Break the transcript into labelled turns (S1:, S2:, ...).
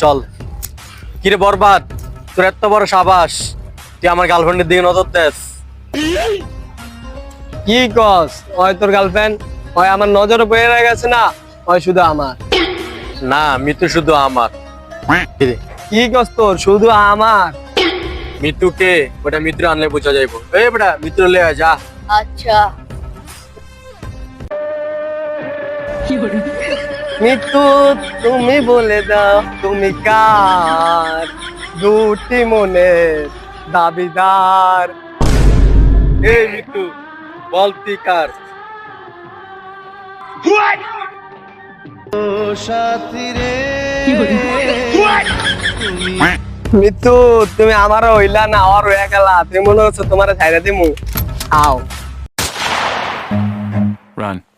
S1: চল। কিরে বরবাদ, তোর এত বড় সাবাস, তুই আমার গার্লফ্রেন্ডের দিকে নজর দেস?
S2: কি কস? ওই তোর গার্লফ্রেন্ড? ওই আমার নজরে পড়ে গেছে না, ওই শুধু আমার।
S1: না, মিতু শুধু আমার। কিরে,
S2: কি কস তোর শুধু আমার?
S1: মিতুকে ওটা মিত্র আনলে বোঝা যাইবো। এই বেটা মিত্র লে আয়, যা।
S3: আচ্ছা।
S2: মৃত্যু, তুমি বলে দাও তুমি কার দুটি মনের দাবিদার?
S1: এই মিতু, বল তুই কার?
S2: মৃত্যু, তুমি আমারও হইলা না, আর হয়ে গেলা। তুমি মনে হচ্ছে তোমার ছাইরা দিমু। আও
S4: Run.